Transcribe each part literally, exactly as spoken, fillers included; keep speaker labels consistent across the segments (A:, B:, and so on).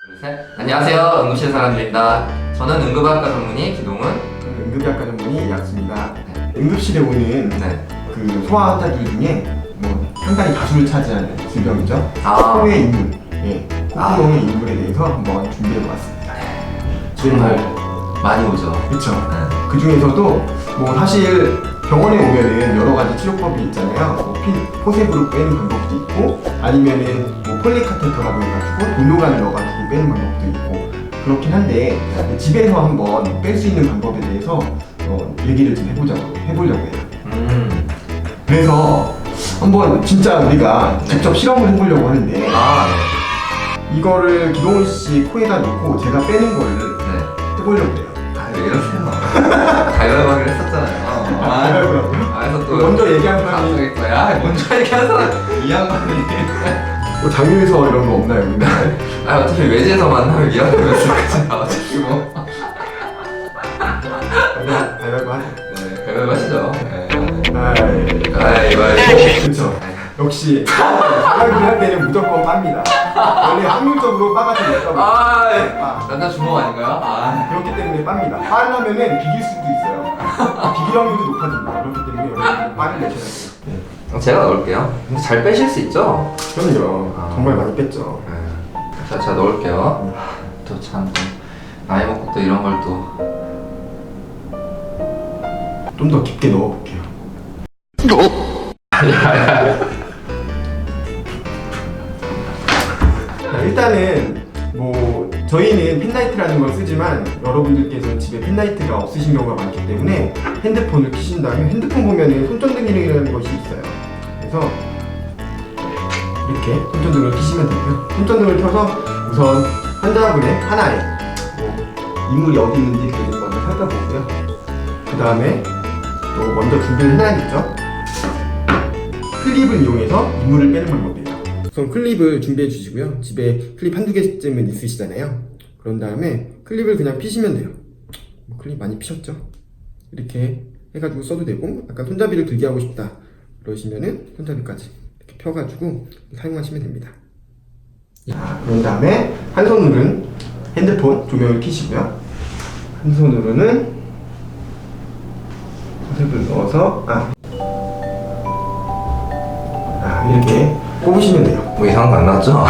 A: 둘, 셋. 안녕하세요. 응급실 사람들입니다. 저는 응급학과 전문의 기동은.
B: 저는 응급의학과 전문의 약수입니다.
A: 네.
B: 응급실에 오는
A: 네.
B: 그 소아 환자들 중에 뭐 상당히 다수를 차지하는 질병이죠.
A: 아.
B: 코의 인물, 예,
A: 아.
B: 콧구멍의 인물에 대해서 한번 준비해보았습니다.
A: 정말 많이 오죠.
B: 그렇죠.
A: 네.
B: 그 중에서도 뭐 사실 병원에 오면은 여러 가지 치료법이 있잖아요. 뭐 피, 포셉으로 빼는 방법도 있고, 아니면은 뭐 폴리카테터라고 해가지고 돌로관을 넣어가지고 빼는 방법도 있고 그렇긴 한데 집에서 한번 뺄 수 있는 방법에 대해서 어, 얘기를 좀 해보자고 해보려고 해요.
A: 음.
B: 그래서 한번 진짜 우리가
A: 네.
B: 직접 실험을 해보려고 하는데
A: 아, 네.
B: 이거를 기동훈 씨 코에다 놓고 제가 빼는 거를
A: 네.
B: 해보려고 해요.
A: 아, 왜 이러세요? 가위바위보 하기로 했었잖아요.
B: 아, 그러고요?
A: 아, 그래서 또.
B: 먼저 얘기한 사람이
A: 갑자기 또, 야, 먼저 얘기한 사람, 이 양반이.
B: 뭐 장유에서 이런 거 없나요? 근데?
A: 아, 어차피 외지에서 만나면 이 양반이었을까지 어차피 뭐.
B: 가위바위보 하죠.
A: 네, 가위바위보 하시죠. 네.
B: 아이,
A: 가위바위보.
B: 그쵸. 역시 가위바위보 할 때는 무조건 빱니다. 원래 확률적으로 빠가 더 높다고.
A: 아, 네.
B: 빠.
A: 남자 주먹 아닌가요? 아.
B: 그렇기 때문에 빱니다. 빠르면은 비길 수도 있어요. 비길 확률도 높아집니다. 그렇기 때문에 여러분들 빠를 내셔야 돼요. 네.
A: 제가 넣을게요. 근데 잘 빼실 수 있죠?
B: 그럼요.
A: 아.
B: 정말 많이 뺐죠.
A: 네. 자, 제가 넣을게요. 또 참, 나이 먹고 또 이런 걸 또.
B: 좀 더 깊게 넣어볼게요. 자, 일단은 뭐 저희는 펜라이트라는 걸 쓰지만 여러분들께서는 집에 펜라이트가 없으신 경우가 많기 때문에 핸드폰을 켜신 다음에 핸드폰 보면은 손전등이라는 것이 있어요. 그래서 이렇게 손전등을 켜시면 되고요. 손전등을 켜서 우선 환자분의 하나에 뭐 인물이 어디 있는지 이렇게 좀 먼저 살펴보고요. 그 다음에 또 먼저 준비를 해놔야겠죠. 클립을 이용해서 인물을 빼는 방법이에요. 우선 클립을 준비해 주시고요. 집에 클립 한두 개쯤은 있으시잖아요. 그런 다음에 클립을 그냥 피시면 돼요. 뭐 클립 많이 피셨죠? 이렇게 해가지고 써도 되고, 약간 손잡이를 들게 하고 싶다 그러시면은 손잡이까지 이렇게 펴가지고 사용하시면 됩니다. 자, 그런 다음에 한 손으로는 핸드폰 조명을 켜시고요. 한 손으로는 포셉을 넣어서 아, 아 이렇게 꼽으시면 돼요.
A: 뭐 이상한 거 안 나왔죠?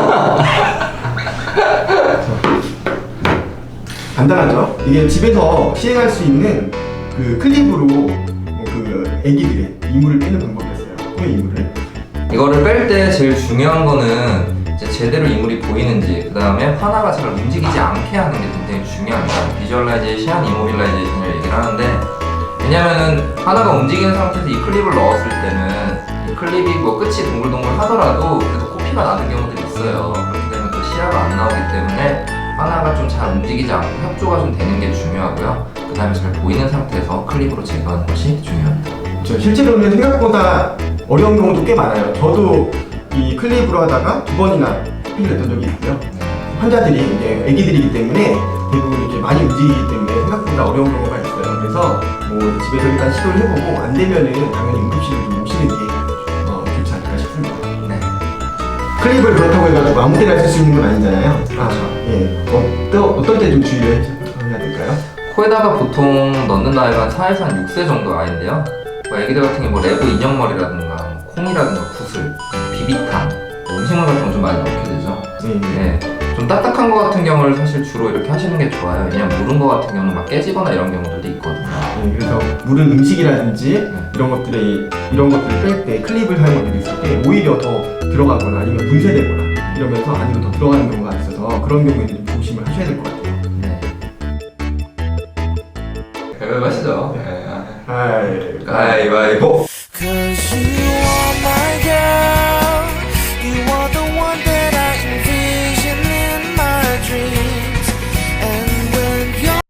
B: 간단하죠? 이게 집에서 시행할 수 있는 그 클립으로 그 애기들의 이물을 빼는 방법이었어요. 코의 이물을.
A: 이거를 뺄 때 제일 중요한 거는 이제 제대로 이물이 보이는지, 그 다음에 하나가 잘 움직이지 않게 하는 게 굉장히 중요합니다. 비주얼라이제이션, 이모빌라이제이션을 얘기를 하는데, 왜냐면은 하나가 움직이는 상태에서 이 클립을 넣었을 때는 이 클립이 뭐 끝이 동글동글 하더라도 그래도 코피가 나는 경우들이 있어요. 그렇기 때문에 또 시야가 안 나오기 때문에 하나가 좀 잘 움직이지 않고 협조가 좀 되는 게 중요하고요. 그 다음에 잘 보이는 상태에서 클립으로 제거하는 것이 중요합니다.
B: 저 실제로는 생각보다 어려운 경우도 꽤 많아요. 저도 이 클립으로 하다가 두 번이나 코피를 냈던 적이 있고요. 환자들이 이제 애기들이기 때문에 대부분 이렇게 많이 움직이기 때문에 생각보다 어려운 경우가 있어요. 그래서 뭐 집에서 일단 시도를 해보고 안 되면은 당연히 응급실을 좀 오시는 게 어, 좋지 않을까 싶습니다.
A: 네.
B: 클립을 그렇다고 해가지고 아무 때나 쓸 수 있는 건 아니잖아요.
A: 그렇죠.
B: 예. 어떤 어떤 때 좀 주의를 해야 될까요?
A: 코에다가 보통 넣는 나이가 한 사에서 한 육 세 정도 아이인데요. 뭐 애기들 같은 게 뭐 레고 인형머리라든가 뭐 콩이라든가 구슬, 비비탄, 뭐 음식물 같은 거 좀 많이 넣게 되죠.
B: 네.
A: 네. 좀 딱딱한 거 같은 경우를 사실 주로 이렇게 하시는 게 좋아요. 왜냐면 무른 거 같은 경우는 막 깨지거나 이런 경우들도 있거든요.
B: 네, 그래서 물은 음식이라든지
A: 네.
B: 이런 것들에 이런 것들을 뺄 때 클립을 사용하게 됐을 때 오히려 더 들어가거나 아니면 분쇄되거나 이러면서 안으로 더 들어가는 경우가 있어서 그런 경우에는 조심을 하셔야 될 것 같아요.
A: 네. 가위바위보 하시죠. 네.
B: 아이,
A: 가위바위보.